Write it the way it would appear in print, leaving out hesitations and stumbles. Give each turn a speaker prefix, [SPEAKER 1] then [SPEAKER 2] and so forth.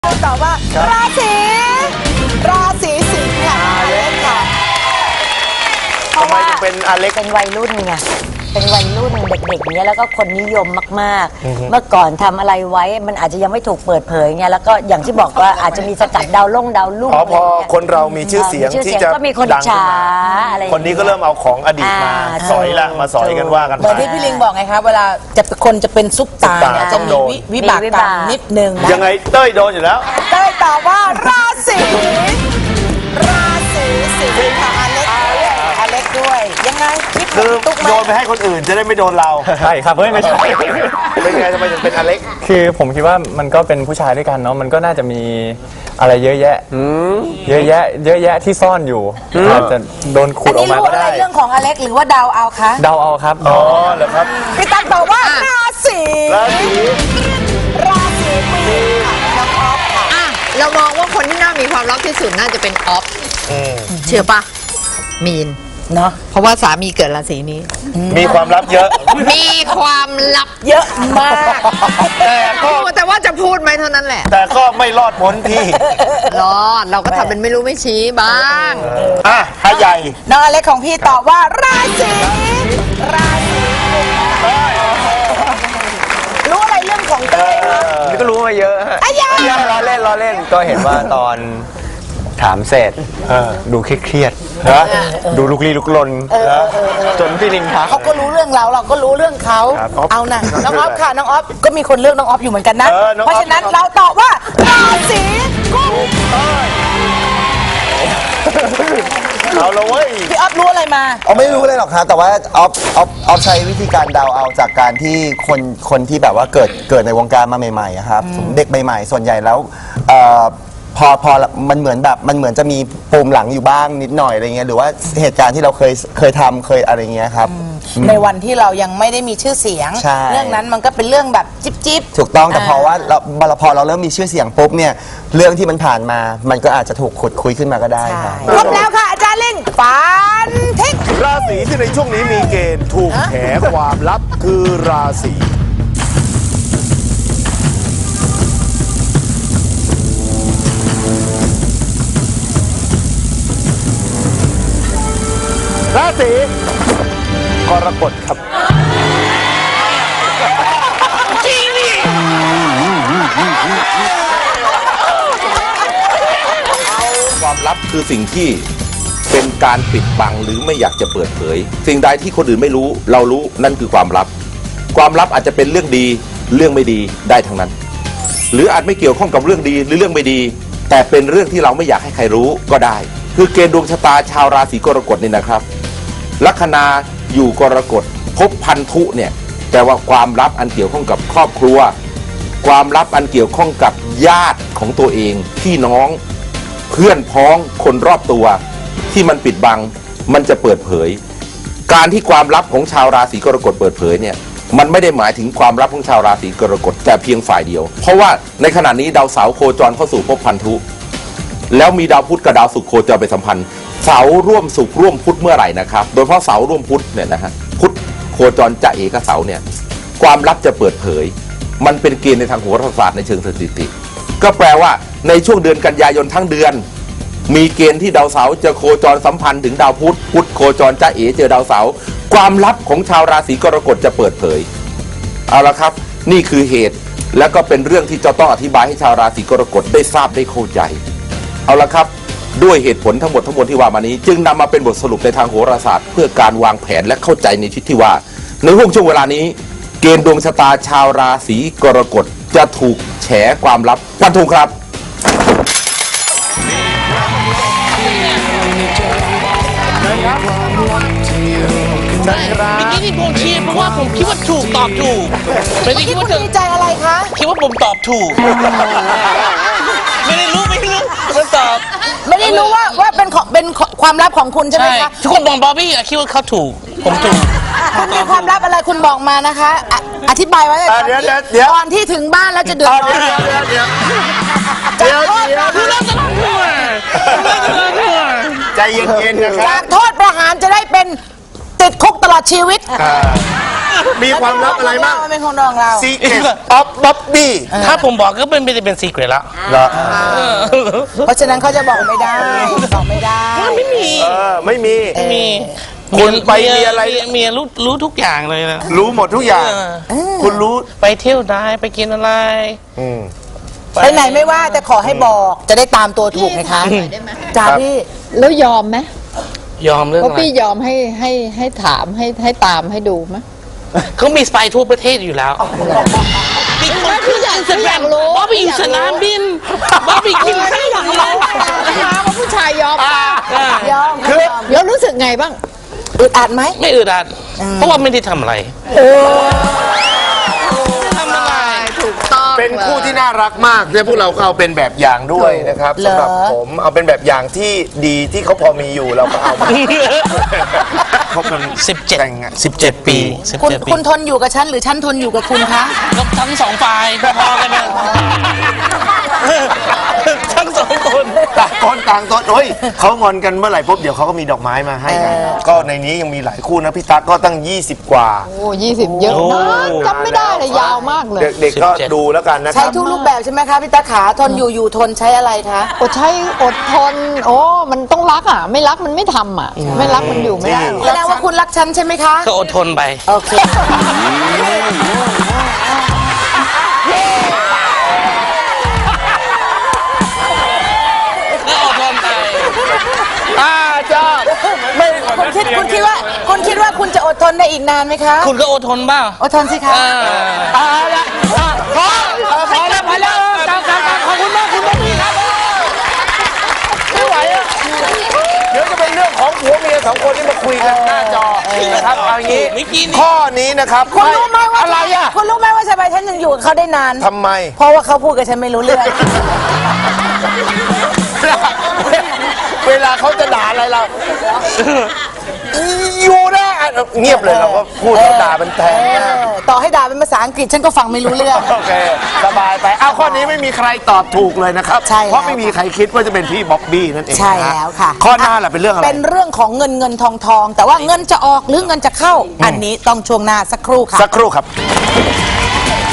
[SPEAKER 1] ตอบว่าราศีสิงห์ค่ะอเล็กค่ะ
[SPEAKER 2] ทำไมถึงเป็นอเล็ก
[SPEAKER 3] เป็นวัยรุ่นไงเป็นวัยรุ่นเด็กๆเนี้ยแล้วก็คนนิยมมากๆเมื่อก่อนทำอะไรไว้มันอาจจะยังไม่ถูกเปิดเผยไงแล้วก็อย่างที่บอกว่าอาจจะมีสกัดดาวรุ่ง
[SPEAKER 2] พอคนเรามีชื่อเสียงที่จะ
[SPEAKER 3] ก็มีคนฉาอะไร
[SPEAKER 2] คนนี้ก็เริ่มเอาของอดีตมาสอยละมาสอยกันว่ากัน
[SPEAKER 1] เหมือนที่พี่ลิงบอกไงคะเวลาคนจะเป็นซุปตาเนี่ยจะมีวิบากกรรมนิดนึง
[SPEAKER 2] ยังไงเต้ยโดนอยู่แล้ว
[SPEAKER 1] เต้ยตอบว่าราศีสิงห์ค่ะอเล็กด้วยยังไง
[SPEAKER 2] คือโดนไปให้คนอื่นจะได้ไม่โดนเรา
[SPEAKER 4] ใช่ครับเฮ้ยไม่ใช่
[SPEAKER 2] เป็นไงทำไมถึงเป็นอเล็ก
[SPEAKER 4] คือผมคิดว่ามันก็เป็นผู้ชายด้วยกันเนาะมันก็น่าจะมีอะไรเยอะแยะที่ซ่อนอยู่อาจจะโดนขุดออกมาก็ได้
[SPEAKER 1] เรื่องของอเล็กหรือว่าเดาเอาคะ
[SPEAKER 4] เดาเอาครับ
[SPEAKER 2] อ๋อเหรอครับ
[SPEAKER 1] พี่ตั้งตอบว่าราศีมีนค่ะน้องออฟค่ะ
[SPEAKER 5] เรามองว่าคนที่น่ามีความลับที่สุดน่าจะเป็นออฟเชื่อปะมีน
[SPEAKER 1] เนาะ
[SPEAKER 5] เพราะว่าสามีเกิดราศีนี้
[SPEAKER 2] มีความลับเยอะ
[SPEAKER 5] มีความลับ
[SPEAKER 1] เยอะมาก
[SPEAKER 5] แต่ว่าจะพูดไหมเท่านั้นแหละ
[SPEAKER 2] แต่ก็ไม่รอดพ้นพี่
[SPEAKER 5] รอดเราก็ทำเป็นไม่รู้ไม่ชี้บ้าง
[SPEAKER 2] ถ้าใหญ่
[SPEAKER 1] น้องอเล็กของพี่ตอบว่าราศีรู้อะไรเรื่องของเต้ย
[SPEAKER 4] นี่ก็รู้มาเยอะฮะล้อเล่นก็เห็นว่าตอนถามเสร็จดูเครียดดูลุกลี้ลุกลนจนพี่ลิงทัก
[SPEAKER 1] เขาก็รู้เรื่องเราก็รู้เรื่องเขาเอานะน้องออฟค่ะน้องออฟก็มีคนเลือกน้องออฟอยู่เหมือนกันนะเพราะฉะนั้นเราตอบว่าราศีกุม
[SPEAKER 2] เอาละเว้ย
[SPEAKER 1] พี่ออฟรู้อะไรมา
[SPEAKER 6] ไม่รู้เลยหรอกครับแต่ว่าออฟใช้วิธีการเดาเอาจากการที่คนที่แบบว่าเกิดในวงการมาใหม่ๆครับเด็กใหม่ๆส่วนใหญ่แล้วพอมันเหมือนจะมีปูมหลังอยู่บ้างนิดหน่อยอะไรเงี้ยหรือว่าเหตุการณ์ที่เราเคยทำเคยอะไรเงี้ยครับ
[SPEAKER 1] ในวันที่เรายังไม่ได้มีชื่อเสียงเรื่องนั้นมันก็เป็นเรื่องแบบจิ๊บ
[SPEAKER 6] ถูกต้องแต่พอเราเริ่มมีชื่อเสียงปุ๊บเนี่ยเรื่องที่มันผ่านมามันก็อาจจะถูกขุดคุยขึ้นมาก็ได้ครับ
[SPEAKER 1] ครบแล้วค่ะอาจารย์เล่งฟันทิ้ง
[SPEAKER 2] ราศีที่ในช่วงนี้มีเกณฑ์ถูกแฉความลับคือราศีกรกฎครับ
[SPEAKER 7] จริงดิ
[SPEAKER 8] ความลับคือสิ่งที่เป็นการปิดบังหรือไม่อยากจะเปิดเผยสิ่งใดที่คนอื่นไม่รู้เรารู้นั่นคือความลับความลับอาจจะเป็นเรื่องดีเรื่องไม่ดีได้ทั้งนั้นหรืออาจไม่เกี่ยวข้องกับเรื่องดีหรือเรื่องไม่ดีแต่เป็นเรื่องที่เราไม่อยากให้ใครรู้ก็ได้คือเกณฑ์ดวงชะตาชาวราศีกรกฎนี่นะครับลัคนาอยู่กรกฎพบพันธุเนี่ยแปลว่าความลับอันเกี่ยวข้องกับครอบครัวความลับอันเกี่ยวข้องกับญาติของตัวเองพี่น้องเพื่อนพ้องคนรอบตัวที่มันปิดบังมันจะเปิดเผยการที่ความลับของชาวราศีกรกฎเปิดเผยเนี่ยมันไม่ได้หมายถึงความลับของชาวราศีกรกฎแต่เพียงฝ่ายเดียวเพราะว่าในขณะนี้ดาวเสาร์โคจรเข้าสู่ภพพันธุแล้วมีดาวพุธกับดาวศุกร์โคจรไปสัมพันธ์เสาร่วมศุกร์ร่วมพุธเมื่อไหร่นะครับโดยเฉพาะเสาร่วมพุธเนี่ยนะฮะพุธโคจรจะเอกเสาเนี่ยความลับจะเปิดเผยมันเป็นเกณฑ์ในทางโหราศาสตร์ในเชิงสถิติก็แปลว่าในช่วงเดือนกันยายนทั้งเดือนมีเกณฑ์ที่ดาวเสาร์จะโคจรสัมพันธ์ถึงดาวพุธพุธโคจรจะเอเจอดาวเสาร์ความลับของชาวราศีกรกฎจะเปิดเผยเอาละครับนี่คือเหตุแล้วก็เป็นเรื่องที่จะต้องอธิบายให้ชาวราศีกรกฎได้ทราบได้เข้าใจเอาละครับด้วยเหตุผลทั้งหมดที่ว่ามานี้จึงนำมาเป็นบทสรุปในทางโหราศาสตร์เพื่อการวางแผนและเข้าใจในที่ว่าในช่วงเวลานี้เกณฑ์ดวงชะตาชาวราศีกรกฎจะถูกแฉความลับฟันธงครับ
[SPEAKER 7] เมื่อกี้ที่ผมชี้เพราะว่าผมคิดว่าถูกตอบถูก
[SPEAKER 1] ไม่ได้คิดว่าดีใจอะไรคะ
[SPEAKER 7] คิดว่าผมตอบถูกไม่ได้รู้มันตอบ
[SPEAKER 1] ไม่ได้รู้ว่าเป็นความลับของคุณใช่ไหมคะ
[SPEAKER 7] ทุกคนบอกบอบบี้คิดว่าเขาถูกผมถูก
[SPEAKER 1] คุณมีความลับอะไรคุณบอกมานะคะอธิบายไว้ก่อนที่ถึงบ้านแล้วจะเดือดร้อน
[SPEAKER 2] เดี๋ยวใจเย็นๆนะครับ
[SPEAKER 1] จากโทษประหารจะได้เป็นติดคุกตลอดชีวิต
[SPEAKER 2] มีความลับอะไรบ้าง
[SPEAKER 1] มันเป็นของเรา
[SPEAKER 2] Secret of Bobby
[SPEAKER 7] ถ้าผมบอกก็เป็นไม่ได้เป็นซีเกรตละ
[SPEAKER 2] เหรอ
[SPEAKER 1] เพราะฉะนั้นเขาจะบอกไม่ได้บอกไม่ได้
[SPEAKER 7] ไม่มี
[SPEAKER 2] ไม่มี
[SPEAKER 7] มี
[SPEAKER 2] คุณไปมีอะไร
[SPEAKER 7] เมียรู้ทุกอย่างเลยนะ
[SPEAKER 2] รู้หมดทุกอย่าง คุณรู้
[SPEAKER 7] ไปเที่ยวได้ไปกินอะไร
[SPEAKER 1] ไปไหนไม่ว่าแต่ขอให้บอกจะได้ตามตัวถูกไงคะจ้าพี่
[SPEAKER 5] แล้วยอมไหม
[SPEAKER 7] ยอมเรื่อง
[SPEAKER 5] ว่า
[SPEAKER 7] อะไร
[SPEAKER 5] พี่ยอมให้ถามให้ตามให้ดูไหม
[SPEAKER 7] เขามีสไปทั่วประเทศอยู่แล้วมีคนขึ้นอินสตาแกรมว่าไปอยู่สนามบินว่าไปกินข้าวอย่างไร
[SPEAKER 5] ว่าผู้ชายยอม
[SPEAKER 1] ยอม
[SPEAKER 5] แล้วรู้สึกไงบ้าง
[SPEAKER 1] อึดอัดไหม
[SPEAKER 7] ไม่อึดอัดเพราะว่าไม่ได้ทำอะไรทำอะไร
[SPEAKER 5] ถูกต้อง
[SPEAKER 2] เป็นคู่ที่น่ารักมากและพวกเราก็เอาเป็นแบบอย่างด้วยนะครับสำหรับผมเอาเป็นแบบอย่างที่ดีที่เขาพอมีอยู่เราก็เอามาคบกัน
[SPEAKER 7] 17 ปี
[SPEAKER 1] คุณทนอยู่กับฉันหรือฉันทนอยู่กับคุณคะ
[SPEAKER 7] ก็ทั้งสองฝ่ายพอกันนะทั้งสองคน
[SPEAKER 2] ต่างคนต่างตนโอ้ยเขางอนกันเมื่อไหร่ปุ๊บเดี๋ยวเขาก็มีดอกไม้มาให้กันก็ในนี้ยังมีหลายคู่นะพี่ตั๊กก็ตั้ง20 กว่า
[SPEAKER 5] โอ้20 เยอะมากจำไม่ได้เลยยาวมากเลย
[SPEAKER 2] เด็กๆก็ดูแล้วกันนะค
[SPEAKER 1] ใช้
[SPEAKER 2] รับ
[SPEAKER 1] ทุกรูปแบบใช่ไหมคะพี่ตาขาทนอยู่ทนใช้อะไรคะ
[SPEAKER 5] อดใช้อดทน โอ้มันต้องรักอ่ะ ไม่รักมันไม่ทำอ่ะ ไม่รักมันอยู่ไม่ได้
[SPEAKER 1] แสดงว่าคุณรักฉันใช่ไหมคะ
[SPEAKER 7] ก็อดทนไป
[SPEAKER 1] โอเค
[SPEAKER 7] ก็อดทนไป
[SPEAKER 2] จ้าไม่
[SPEAKER 1] คุณคิดว่าคุณจะอดทนได้อีกนานไหมคะ
[SPEAKER 7] คุณก็อดทนบ้าง
[SPEAKER 1] อดทนสิคะ
[SPEAKER 7] ละพอแล้วขอบคุณมากคุณบ๊อบบี้ครับ
[SPEAKER 2] ไม่ไหวอ่ะเดี๋ยวจะเป็นเรื่องของผัวเมียสองคนที่มาคุยกันหน้าจอนะครับเอาอย่างนี้ข้อนี้นะครับ
[SPEAKER 1] คุณรู้ไหมว่า
[SPEAKER 2] อะไรอ่ะ
[SPEAKER 1] คุณรู้ไหมว่าทำไมฉันยังอยู่กับเขาได้นาน
[SPEAKER 2] ทำไม
[SPEAKER 1] เพราะว่าเขาพูดกับฉันไม่รู้เรื่อง
[SPEAKER 2] เวลาเขาจะด่าอะไรเราอยู่นะเงียบเลยเราก็พูดด่าเป็นแทนนะ
[SPEAKER 1] ต่อให้ด่าเป็นภาษาอังกฤษฉันก็ฟังไม่รู้เรื่อง
[SPEAKER 2] โอเคสบายไปเอาข้อนี้ไม่มีใครตอบถูกเลยนะครับ
[SPEAKER 1] ใช่แล้ว
[SPEAKER 2] เพราะไม่มีใครคิดว่าจะเป็นพี่บ๊อบบี้นั่นเอง
[SPEAKER 1] ใช่แล้วค่ะ
[SPEAKER 2] ข้อหน้าล่ะเป็นเรื่องอะไร
[SPEAKER 1] เป็นเรื่องของเงินทองแต่ว่าเงินจะออกหรือเงินจะเข้า อันนี้ต้องช่วงหน้าสักครู่ค่ะ
[SPEAKER 2] สักครู่ครับ